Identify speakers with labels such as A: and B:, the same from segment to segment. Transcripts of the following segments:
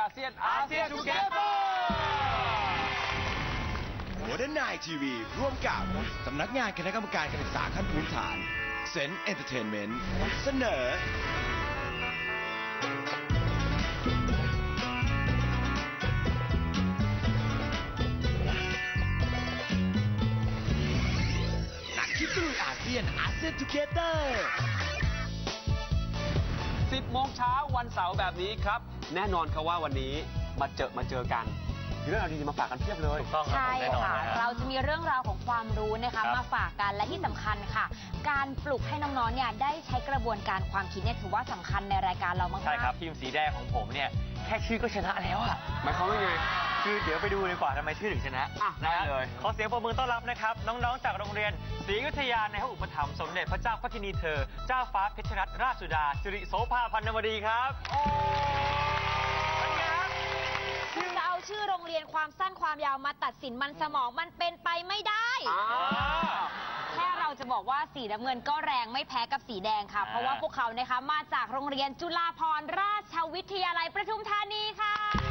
A: อาเซียนทูเกเตอร์
B: โมเดิร์นไนทีวีร่วมกับสำนักงานคณะกรรมการการศึกษาขั้นพื้นฐานเซนต์เอนเตอร์เทนเมนต์เสนอนักคิดตลุยอาเซียนทูเกเตอร์
A: 10 โมงเช้าวันเสาร์แบบนี้ครับแน่นอนครับว่าวันนี้มาเจอกันมีเรื่องราวดีๆมาฝากกันเพียบเลย
C: ใช่ค่ะเราจะมีเรื่องราวของความรู้นะคะมาฝากกันและที่สำคัญค่ะ การปลุกให้น้องๆเนี่ยได้ใช้กระบวนการความคิดเนี่ยถือว่าสำคัญในรายการเรามากๆ
D: ใช่ครับทีมสีแดงของผมเนี่ยแค่ชื่อก็ชนะแล้วอะ
A: หมายความว่าไง
D: คือเดี๋ยวไปดูดีกว่าทำไมชื่อถึงชนะ
A: อ่ะได้เลย
D: ขอเสียงปรบมือต้อนรับนะครับน้องๆจากโรงเรียนศรีอยุธยาในพระอุปถัมภ์สมเด็จพระเจ้าพระกินีเธอเจ้าฟ้าเพชรรัตนราชสุดาสิริโสภาพันนวดีครับเป็นไงครับ
C: จะเอาชื่อโรงเรียนความสั้นความยาวมาตัดสินมันสมองมันเป็นไปไม่ได้ แค่เราจะบอกว่าสีน้ำเงินก็แรงไม่แพ้กับสีแดงค่ะ เพราะว่าพวกเขานะคะมาจากโรงเรียนจุฬาภรณราชวิทยาลัยประทุมธานีค่ะ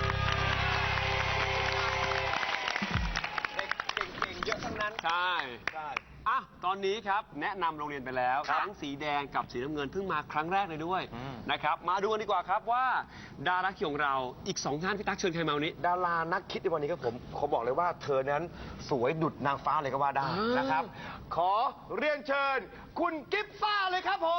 A: เด็กเก่งๆเยอะทั้งนั้นใช่อ่ะตอนนี้ครับแนะนำโรงเรียนไปแล้วทั้งสีแดงกับสีน้ำเงินเพิ่งมาครั้งแรกเลยด้วยนะครับมาดูกันดีกว่าครับว่าดาราคิดของเราอีก2ท่านพี่ตั๊กเชิญใครมาวันนี้
E: ดารานักคิดในวันนี้ครับผมขอบอกเลยว่าเธอนั้นสวยดุจนางฟ้าเลยก็ว่าได้นะครับ ขอเรียนเชิญ คุณกิฟซ่าเลยครับผม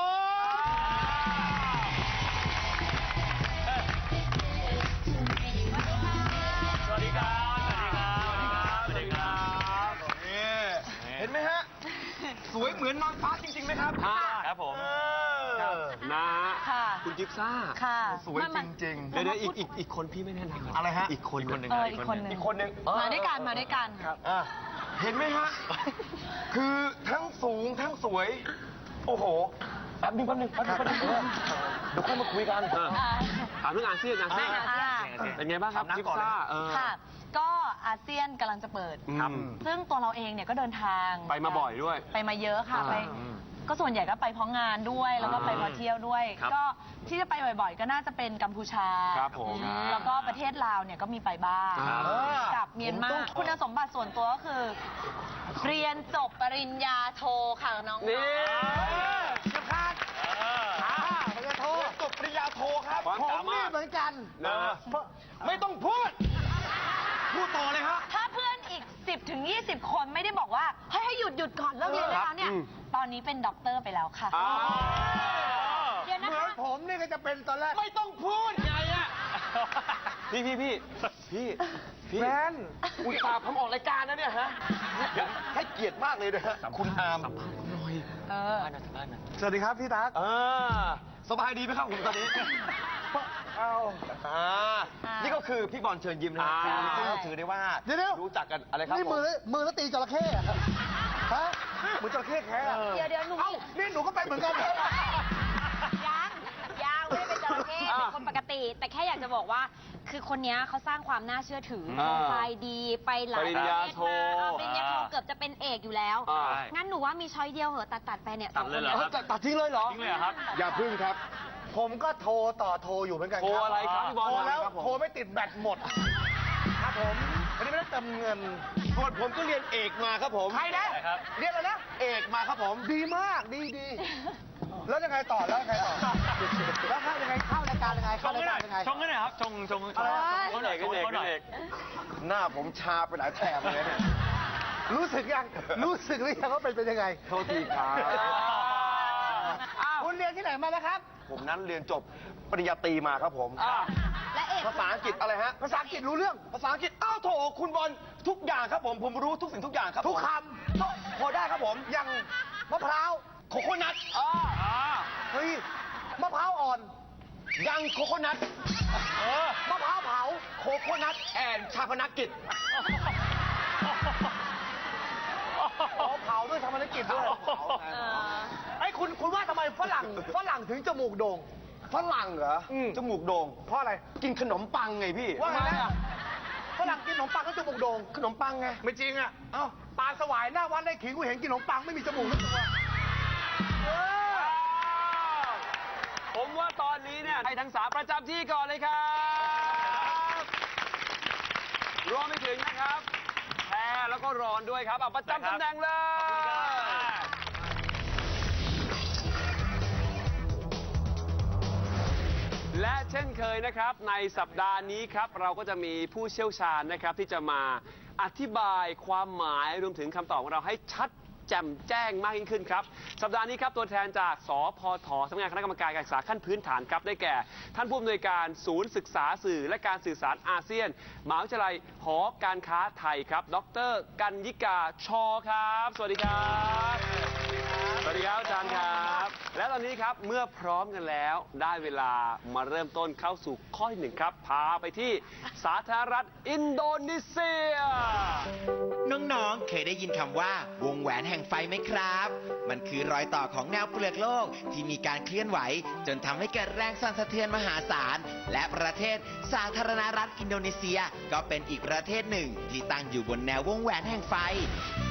D: สวัสดีครับสวัสดีครับ
E: เห็นไหมฮะ สวยเหมือนนางฟ้าจริงๆไหมครับ
D: ครับผม
A: นะ
C: ค่ะ
A: คุณกิฟซ่า
C: ค่ะ
E: สวยจริง
A: เดี๋ยวอีกคนพี่ไม่แน่นอน
E: อะไรฮะ
A: อีกคนหนึ่ง
C: อีกคนหนึ่ง
E: ๆ อีกคนหนึ่ง
C: มาด้วยกันมาด้วยกัน
E: อ่ะเห็นไหมฮะ คือทั้งสูงทั้งสวย โอ้โหแป๊บนึงเดี๋ยวค่อยมาคุยกัน
A: ถามเรื่องอาเซียนอาเซียน เป็นไงบ้างครับ
E: ถามน้ำ
A: กิฟ
E: ก่อนเลย
A: ซ่า
F: ค่ะ ก็อาเซียนกำลังจะเปิด
A: ครับ
F: ซึ่งตัวเราเองเนี่ยก็เดินทาง
A: ไปมาบ่อยด้วย
F: ไปมาเยอะค่ะ
A: อ่า
F: ไปก็ส่วนใหญ่ก็ไปเพราะงานด้วย แล้วก็ไปเพราะเที่ยวด้วย
A: ครับ
F: ก็ที่จะไปบ่อยๆ ก็น่าจะเป็นกัมพูชา
A: ครับผม
F: แล้วก็ประเทศลาวเนี่ยก็มีไปบ้าง
A: ครับ
F: กับเมียนมาคุณสมบัติส่วนตัวก็คือ เรียนจบปริญญาโทค่ะน้องๆ
A: นี่
E: จะพลาดปริญญาโทจบปริญญาโทครับ
A: ความ
E: ผม
A: สามาร
E: นี่
A: ถ
E: เหมือนกัน
A: นะ
E: ไม่ต้องพูด พูดต่อเลยครับ
F: ถ้าเพื่อนอีก 10 ถึง 20 คนไม่ได้บอกว่าเฮ้ยให้หยุดก่อนเลิกเรียนได้แล้วเนี่ย ตอนนี้เป็นด็อกเตอร์ไปแล้วค่ะ
A: อ้าว
C: เดี๋ยวนะ
E: เหมือน
C: คะ
E: ผมนี่ก็จะเป็นตอนแรก ไม่ต้องพูดไงอะ
A: พี่
E: แฟนอุตส่าห์ผมออกรายการนะเนี่ยฮะ ให้เกียรติมากเลยนะฮะ คุณอาม
F: เออ
E: สวัสดีครับพี่ตั๊กสบายดีไหมครับผมตอนนี้นี่ก็คือพี่บอลเชิญยิ้มนะซึ่งถือได้ว่ารู้จักกันอะไรครับ
G: นี่มือแล้วตีจระเข้อะฮะมือจระเข้แท้อะ
C: เดี๋ยวหนู
G: เอ้านี่หนูก็ไปเหมือนกันเหรอ
C: ยังไม่ได้เป็นจระเข้เป็นคนปกติ แต่แค่อยากจะบอกว่า คือคนนี้เขาสร้างความน่าเชื่อถือโปรไฟล์ดีไปหลายประเทศมาปริญญาโทเกือบจะเป็นเอกอยู่แล้ว งั้นหนูว่ามีช้อยเดียวเหอะตัดไปเนี่ย
D: ตัดเลยเหรอครับ
G: ตัดทิ้งเลยเหรอ
D: จริงเลยเหรอครับ
E: อย่าพึ่งครับ
G: ผมก็โทรต่อโทรอยู่เหมือนกัน
A: โทรอะไรครับพี่บอล
G: โทรแล้ว
E: ครับผม
G: โทรไม่ติดแบตหมด ครับผมวันนี้ไม่ได้เติมเงิน
E: ส่วนผมก็เรียนเอกมาครับผม
G: ใครนะ
D: ครับ
G: เรียกอะไรนะ
E: เอกมาครับผม
G: ดีมาก ดี แล้วยังไงต่อ แล้วยังไงต่อ แล้วเข้ายังไงเข้ารายการยังไง
D: ช
G: เข้าง ราย
D: หน่
G: กา
D: อย
G: รยังไง
D: ชงกันหน่อยครับชงเขาหน่อยเขาหน่อย
E: หน้าผมชาไปหลายแถบเลยเนี่ย
G: รู้สึกยัง รู้สึกหรือยังว่าเป็นยังไง
E: โทษทีครับ
G: คุณเรียนที่ไหนมาแล้วครับ
E: ผมนั้นเรียนจบปริญญาตรีมาครับผม
C: และเอก
E: ภาษาอังกฤษอะไรฮะ
G: ภาษาอังกฤษรู้เรื่อง
E: ภาษาอังกฤษ อ้าวโถคุณบอลทุกอย่างครับผมรู้ทุกสิ่งทุกอย่างครับผม
G: ทุกค
E: พอได้ครับผม
G: อย่างมะพร้าว
E: โคโคนัท
G: เฮ้ย มะพร้าวอ่อน
E: ยังโคโคนัท
G: มะพร้าวเผา
E: โคโคนัทแอนชาพนักกิจ
G: อ๋อเผาด้วยทำภารกิจด้วยไอ้คุณว่าทำไมฝรั่งถึงจมูกโด่ง
E: ฝรั่งเหรอจมูกโด่ง
G: เพราะอะไร
E: กินขนมปังไงพี่
G: ว่าไงนะฝรั่งกินขนมปังก็จมูกโด่ง
E: ขนมปังไง
G: ไม่จริงอ่ะ เอ้าปลาสวายหน้าวัดได้ขิงกูเห็นกินขนมปังไม่มีจมูกทั้งตัว
A: ผมว่าตอนนี้เนี่ยให้ทั้งสามประจำที่ก่อนเลยครับรวมไปถึงนะครับแพรแล้วก็รอนด้วยครับเอาประจำตำแหน่งเลย และเช่นเคยนะครับในสัปดาห์นี้ครับเราก็จะมีผู้เชี่ยวชาญนะครับที่จะมาอธิบายความหมายรวมถึงคำตอบของเราให้ชัดแจ่มแจ้งมากยิ่งขึ้นครับสัปดาห์นี้ครับตัวแทนจากสพทสำนักงานคณะกรรมการการศึกษาขั้นพื้นฐานครับได้แก่ ท่านผู้อำนวยการศูนย์ศึกษาสื่อและการสื่อสารอาเซียนมหาวิทยาลัยหอการค้าไทยครับดร.กัญญิกาชอครับสวัสดีครับสวัสดีครับอาจารย์ครับและตอนนี้ครับเมื่อพร้อมกันแล้วได้เวลามาเริ่มต้นเข้าสู่ข้อที่หนึ่งครับพาไปที่สาธารณรัฐอินโดนีเซีย
H: น้องๆ เคยได้ยินคำว่าวงแหวนแห่งไฟไหมครับ มันคือรอยต่อของแนวเปลือกโลกที่มีการเคลื่อนไหวจนทำให้เกิดแรงสั่นสะเทือนมหาศาล และประเทศสาธารณรัฐอินโดนีเซียก็เป็นอีกประเทศหนึ่งที่ตั้งอยู่บนแนววงแหวนแห่งไฟ